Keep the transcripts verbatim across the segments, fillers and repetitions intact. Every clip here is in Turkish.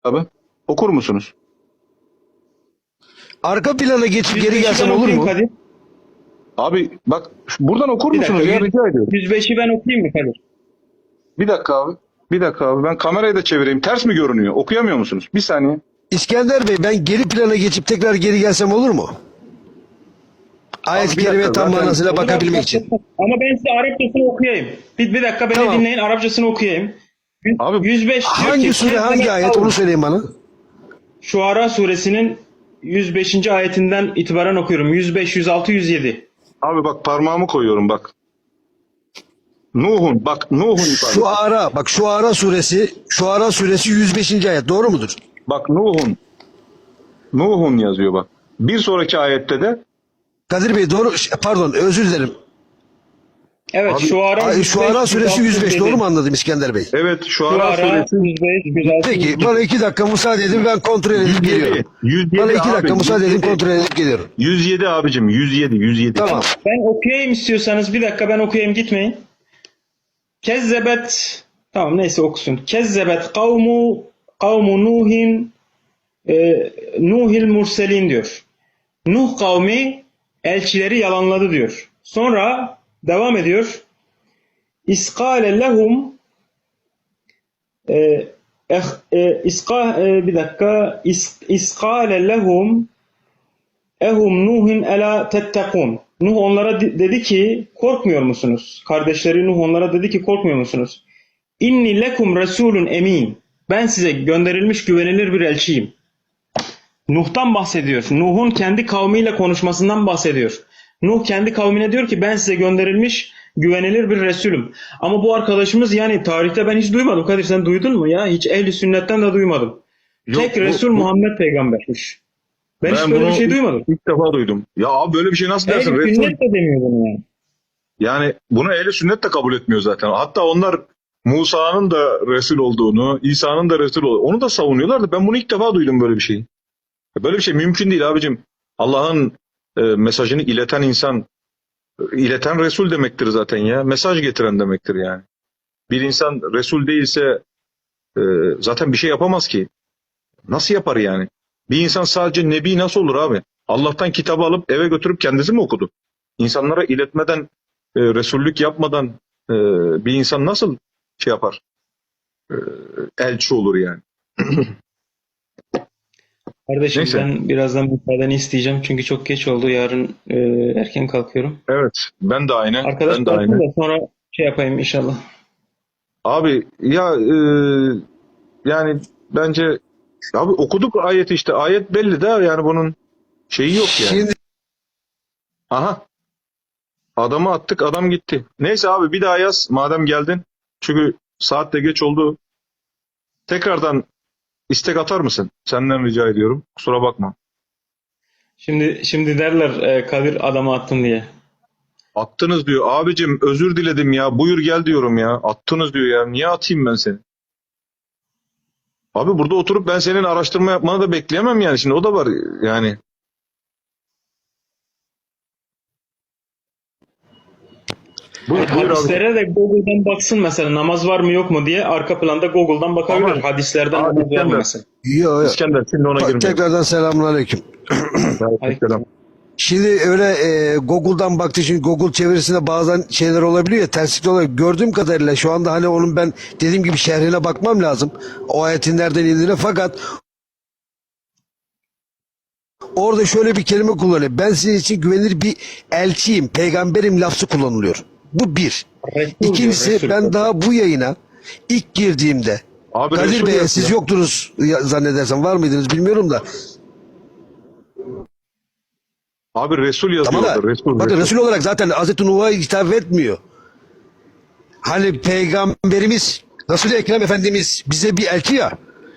Abi okur musunuz? Arka plana geçip geri yüz beşi gelsem ben olur okuyayım mu? Kadir. Abi bak şu- buradan okur Bir musunuz dakika. ya, yüz- rica ediyorum. yüz beşi ben okuyayım mı Kadir? Bir dakika abi. Bir dakika abi, ben kamerayı da çevireyim. Ters mi görünüyor? Okuyamıyor musunuz? Bir saniye. İskender Bey, ben geri plana geçip tekrar geri gelsem olur mu? Ayet-i bir dakika, Kerime tam zaten- manasıyla bakabilmek için. Ama ben size Arapçasını okuyayım. Bir, bir dakika beni Tamam. dinleyin. Arapçasını okuyayım. Yüz- Abi, yüz beş diyor Hangi ki, sure, hangi "Kezzebet ayet kavm." onu söyleyin bana. Şuara suresinin yüz beşinci ayetinden itibaren okuyorum. yüz beş, yüz altı, yüz yedi. Abi bak parmağımı koyuyorum bak. Nuh'un bak Nuh'un ifadesi. Şu ara, bak şu ara suresi, şu ara suresi yüz beşinci ayet doğru mudur? Bak Nuh'un. Nuh'un yazıyor bak. Bir sonraki ayette de Kadir Bey doğru, pardon özür dilerim. Evet, Abi, Şuara Ay, yüz şu beş, ara suresi yüz beş yüz altı, doğru mu anladım İskender Bey? evet şu ara Şuara suresi yüz beş, yüz altı, yüz Peki yedi. bana iki dakika müsaade edin, ben kontrol edip yüz yedi. geliyorum. yüz yedi Bana iki abi, dakika müsaade edin, yüz yedi. kontrol edip geliyorum. yüz yedi abicim, yüz yedi yüz yedi. Tamam. Ben okuyayım istiyorsanız, bir dakika ben okuyayım, gitmeyin. Kezzebet, tamam neyse okusun. Kezzebet kavmu kavmu Nuhin e, Nuhil murselin diyor. Nuh kavmi elçileri yalanladı diyor. Sonra devam ediyor. İskale lehum e, eh, e, iska, e, bir dakika is, iskale lehum ehum Nuhin ela tettekun. Nuh onlara de- dedi ki korkmuyor musunuz? Kardeşleri Nuh onlara dedi ki korkmuyor musunuz? İnni lekum resulun emin. Ben size gönderilmiş güvenilir bir elçiyim. Nuh'tan bahsediyor. Nuh'un kendi kavmiyle konuşmasından bahsediyor. Nuh kendi kavmine diyor ki ben size gönderilmiş güvenilir bir Resulüm. Ama bu arkadaşımız yani tarihte ben hiç duymadım. Kadir sen duydun mu ya? Hiç ehli sünnetten de duymadım. Yok, Tek bu- Resul bu- Muhammed peygambermiş. Ben, hiç böyle bunu bir şey duymadım. ilk defa duydum. Ya abi böyle bir şey nasıl dersin? Ehli Resul- sünnet de demiyor bunu yani. Yani bunu ehli sünnet de kabul etmiyor zaten. Hatta onlar Musa'nın da Resul olduğunu, İsa'nın da Resul olduğunu onu da savunuyorlar da ben bunu ilk defa duydum böyle bir şeyi. Böyle bir şey mümkün değil abicim. Allah'ın e, mesajını ileten insan, e, ileten Resul demektir zaten ya. Mesaj getiren demektir yani. Bir insan Resul değilse e, zaten bir şey yapamaz ki. Nasıl yapar yani? Bir insan sadece Nebi nasıl olur abi? Allah'tan kitabı alıp eve götürüp kendisi mi okudu? İnsanlara iletmeden, e, Resullük yapmadan e, bir insan nasıl şey yapar? E, elçi olur yani. Kardeşim Neyse. ben birazdan müsaadeni isteyeceğim. Çünkü çok geç oldu. Yarın e, erken kalkıyorum. Evet, ben de aynı. Arkadaş Ben de kalksın aynı. da sonra şey yapayım inşallah. Abi ya e, yani bence abi okuduk ayeti işte. Ayet belli de yani bunun şeyi yok yani. Şimdi Aha. Adamı attık, adam gitti. Neyse abi bir daha yaz madem geldin. Çünkü saat de geç oldu. Tekrardan istek atar mısın? Senden rica ediyorum. Kusura bakma. Şimdi şimdi derler e, Kadir adamı attın diye. Attınız diyor. Abicim özür diledim ya. Buyur gel diyorum ya. Attınız diyor ya. Niye atayım ben seni? Abi burada oturup ben senin araştırma yapmanı da bekleyemem yani. Şimdi o da var yani. Buyur, buyur abi. Hadislere de Google'dan baksın mesela namaz var mı yok mu diye arka planda Google'dan bakabilir. Ama- Hadislerden Abi, namaz var mı İskender. mesela. yo, yo. İskender şimdi ona girmeyelim. Tekrardan selamünaleyküm. Aleykümselam. Şimdi öyle e, Google'dan baktı, şimdi Google çevirisinde bazen şeyler olabiliyor ya, terslikler olabiliyor. Gördüğüm kadarıyla şu anda hani onun ben dediğim gibi şerhine bakmam lazım. O ayetin nereden indiğine, fakat orada şöyle bir kelime kullanıyor. Ben sizin için güvenilir bir elçiyim, peygamberim lafzı kullanılıyor. Bu bir. Resul diyor, İkincisi Resul. ben daha bu yayına ilk girdiğimde Abi Kadir Resul Bey yazıyor. siz yoktunuz ya- zannedersem, var mıydınız bilmiyorum da. Abi Resul yazıyor. Tamam da orada, Resul, bakın Resul. Resul olarak zaten Hazreti Nuh'a hitap etmiyor. Hani peygamberimiz Resul-i Ekrem Efendimiz bize bir elçi ya.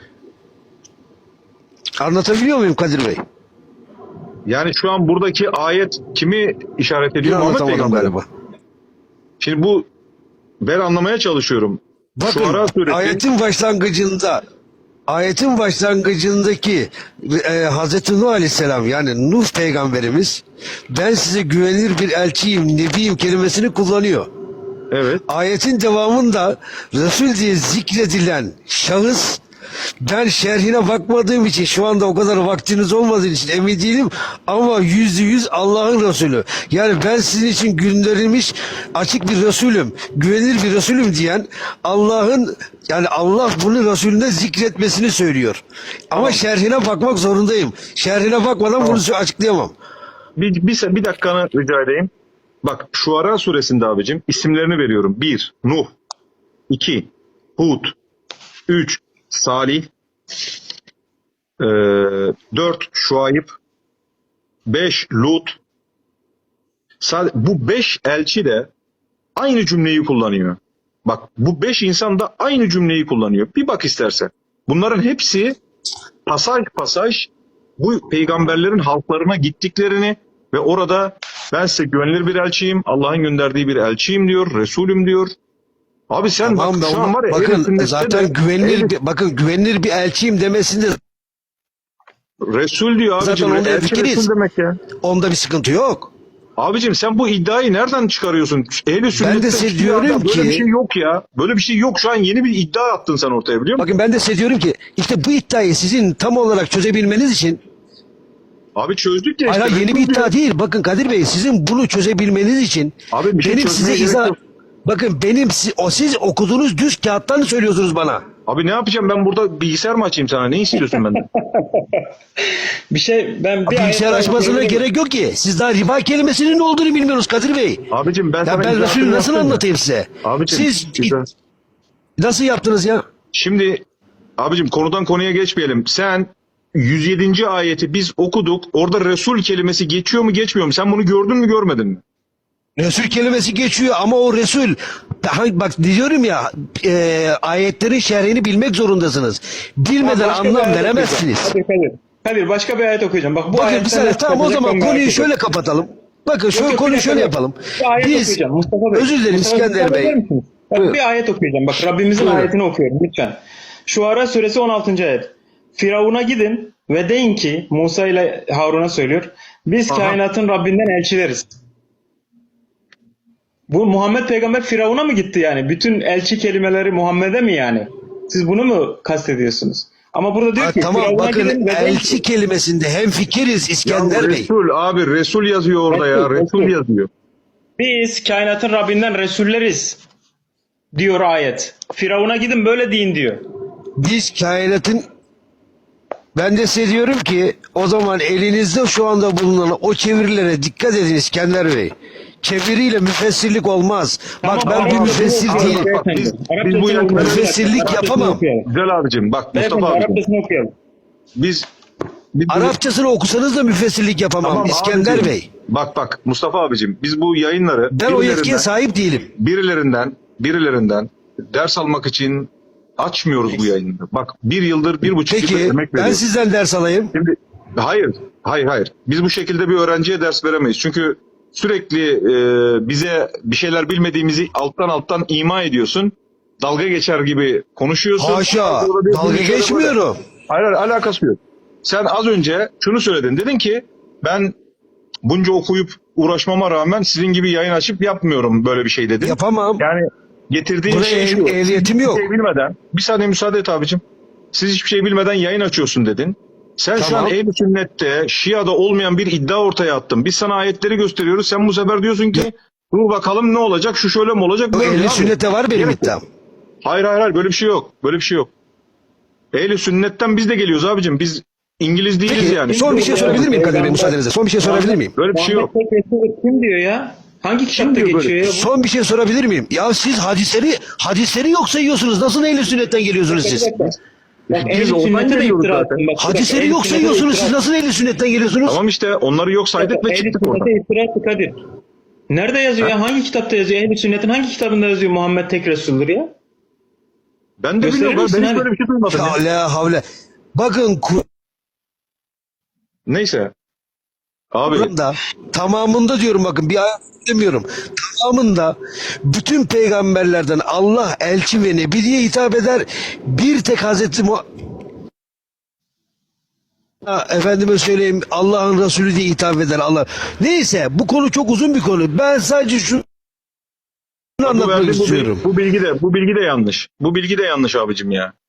Anlatabiliyor muyum Kadir Bey? Yani şu an buradaki ayet kimi işaret Bir ediyor? Muhammed anlatamadım Peygamber. galiba. Şimdi bu ben anlamaya çalışıyorum. Bakın Şuara suresi ayetin başlangıcında ayetin başlangıcındaki e, Hazreti Nuh Aleyhisselam, yani Nuh peygamberimiz ben size güvenilir bir elçiyim, nebiyim kelimesini kullanıyor. evet. Ayetin devamında Resul diye zikredilen şahıs Ben şerhine bakmadığım için şu anda o kadar vaktiniz olmadığı için emin değilim ama yüzde yüz Allah'ın Resulü. Yani ben sizin için gönderilmiş açık bir Resulüm, güvenilir bir Resulüm diyen Allah'ın, yani Allah bunu Resulüne zikretmesini söylüyor. Ama şerhine bakmak zorundayım. Şerhine bakmadan bunu açıklayamam. Bir, bir, bir dakikanı rica edeyim. Bak Şuara suresinde abicim isimlerini veriyorum. bir. Nuh. iki. Hud. üç. Salih. Ee, dört. Şuayb. beş. Lut. Sad- Bu beş elçi de aynı cümleyi kullanıyor. Bak bu beş insan da aynı cümleyi kullanıyor. Bir bak istersen. Bunların hepsi pasaj pasaj bu peygamberlerin halklarına gittiklerini ve orada ben size güvenilir bir elçiyim, Allah'ın gönderdiği bir elçiyim diyor, Resulüm diyor. Abi sen Tamam bak da şu an var ya bakın ehliyetinde zaten de- güvenilir ehliyet- bir, bakın güvenilir bir elçiyim demesinde Resul diyor abicim. Zaten onda Elçi fikiriz. Resul demek ya. onda bir sıkıntı yok. Abicim sen bu iddiayı nereden çıkarıyorsun? Ehli sünnette de size hiçbir diyorum yerde böyle ki- bir şey yok ya. Böyle bir şey yok. Şu an yeni bir iddia attın sen ortaya biliyor musun? Bakın ben de size diyorum ki işte bu iddiayı sizin tam olarak çözebilmeniz için, Abi çözdük ya hayır işte. hayır, yeni bir Resul diyor. iddia değil. Bakın Kadir Bey, sizin bunu çözebilmeniz için Abi bir şey benim çözmeye size gerek izah yok. bakın benim si- o siz okuduğunuz düz kağıttan söylüyorsunuz bana. Abi ne yapacağım ben burada bilgisayar mı açayım sana? Ne istiyorsun benden? Bir şey ben bir Bilgisayar ayet daha açmasına okuyabilir miyim? gerek yok ki. Siz daha riba kelimesinin ne olduğunu bilmiyorsunuz Kadir Bey. Abicim ben Ya sana ben izahatını Resulü nasıl yaptım ya. anlatayım size? Abicim, Siz güzel. nasıl yaptınız ya? Şimdi abicim konudan konuya geçmeyelim. Sen yüz yedinci ayeti biz okuduk. Orada Resul kelimesi geçiyor mu geçmiyor mu? Sen bunu gördün mü görmedin mi? Resul kelimesi geçiyor ama o Resul, hangi- bak diyorum ya, e, ayetlerin şerhini bilmek zorundasınız. Bilmeden Başka bir anlam ayet veremezsiniz. okuyacağım. Kadir, Kadir. Kadir başka bir ayet okuyacağım. Bak bu Bakın bir ayetten saniye, nasıl tamam o çıkacak zaman ben merak konuyu ediyorum. şöyle kapatalım. Bakın Yok, şöyle yok, konuyu bir şöyle dakika. yapalım. Bir ayet Biz, okuyacağım Mustafa Bey. özür dilerim Mustafa, İskender müsaade Bey. eder misiniz? Bak, Buyurun. bir ayet okuyacağım. Bak Rabbimizin Buyurun. ayetini okuyorum lütfen. Şuara suresi on altıncı ayet. Firavun'a gidin ve deyin ki, Musa ile Harun'a söylüyor. Biz Aha. kainatın Rabbinden elçileriz. Bu Muhammed peygamber Firavun'a mı gitti yani? Bütün elçi kelimeleri Muhammed'e mi yani? Siz bunu mu kastediyorsunuz? Ama burada diyor Ha, ki tamam Firavun'a bakın gidin ve deyin elçi ki, kelimesinde hemfikiriz Ya İskender Bey. Resul abi Resul yazıyor orada ya. Resul, Resul Resul. yazıyor. biz kainatın Rabbinden Resulleriz diyor ayet. Firavun'a gidin böyle deyin diyor. Biz kainatın, ben de size diyorum ki o zaman elinizde şu anda bulunan o çevirilere dikkat edin İskender Bey. Çeviriyle müfessirlik olmaz. Bak ben Tamam, bir Arapçasını müfessir okuyalım değilim. beyefendi. Biz- Arapçasını biz bu okuyalım. müfessirlik Arapçasını yapamam. okuyalım. Güzel abicim. Bak Beyefendi Mustafa abicim. Arapçasını okuyalım. Biz, biz Arapçasını okusanız da müfessirlik yapamam Tamam İskender abicim. Bey. Bak bak Mustafa abicim biz bu yayınları Ben o yetkiye birilerinden, sahip değilim. birilerinden birilerinden ders almak için açmıyoruz bu yayınları. Bak bir yıldır bir buçuk yıldır Peki emek ben veriyoruz. sizden ders alayım. Şimdi hayır, hayır, hayır. Biz bu şekilde bir öğrenciye ders veremeyiz. Çünkü sürekli e, bize bir şeyler bilmediğimizi alttan alttan ima ediyorsun. Dalga geçer gibi konuşuyorsun. Haşa, Sonra bir- dalga bir şöyle geçmiyorum. böyle- Hayır, hayır, alakası yok. Sen az önce şunu söyledin. Dedin ki ben bunca okuyup uğraşmama rağmen sizin gibi yayın açıp yapmıyorum böyle bir şey dedin. Yapamam. Yani getirdiğin Buraya şey ehl- şu. ehliyetim siz yok. hiçbir şey bilmeden, bir saniye müsaade et abicim. Siz hiçbir şey bilmeden yayın açıyorsun dedin. Sen şu Tamam. an Ehl-i Sünnet'te, Şia'da olmayan bir iddia ortaya attın. Biz sana ayetleri gösteriyoruz. Sen bu sefer diyorsun ki dur bakalım ne olacak, şu şöyle mi olacak? O böyle mi ehli abi? sünnete var benim Gerek yok. iddiam. Hayır hayır hayır böyle bir şey yok. Böyle bir şey yok. Ehl-i Sünnet'ten biz de geliyoruz abicim. Biz İngiliz değiliz Peki yani. son bir şey sorabilir miyim Kadir Bey müsaadenizle? Son bir şey sorabilir miyim? Böyle bir şey yok. Muhammed tek Resul kim diyor ya? Hangi kitapta diyor böyle? geçiyor ya? bu? Son bir şey sorabilir miyim? Ya siz hadisleri hadisleri yok sayıyorsunuz. Nasıl ehli sünnetten geliyorsunuz siz? Bak, Biz Ehl-i ondan Sünnet'e de geliyoruz iftira zaten. attın. Bak, Hadisleri Ehl-i yok Sünnet'e sayıyorsunuz. iftira Siz nasıl ehli sünnetten geliyorsunuz? Tamam işte onları yok saydık ve Ehl-i çıktık oradan. Sünnet'e iftira attı Kadir. Nerede yazıyor ya? Hangi kitapta yazıyor? Ehl-i Sünnet'in hangi kitabında yazıyor Muhammed tek Resul'dur ya? Ben de Gösterir bilmiyorum. misin Ben hiç hani? böyle bir şey duymadım. ya. Havle havle. Bakın Neyse. Abi Kur'an'da tamamında diyorum, bakın bir ayet demiyorum. Tamamında bütün peygamberlerden Allah elçi ve nebi diye hitap eder. Bir tek Hazreti Mu Ha, efendime söyleyeyim Allah'ın Resulü diye hitap eder Allah. Neyse bu konu çok uzun bir konu. Ben sadece şunu bu, anlatmak verdiğin bu, istiyorum. bilgi, bu bilgi de bu bilgi de yanlış. Bu bilgi de yanlış abicim ya.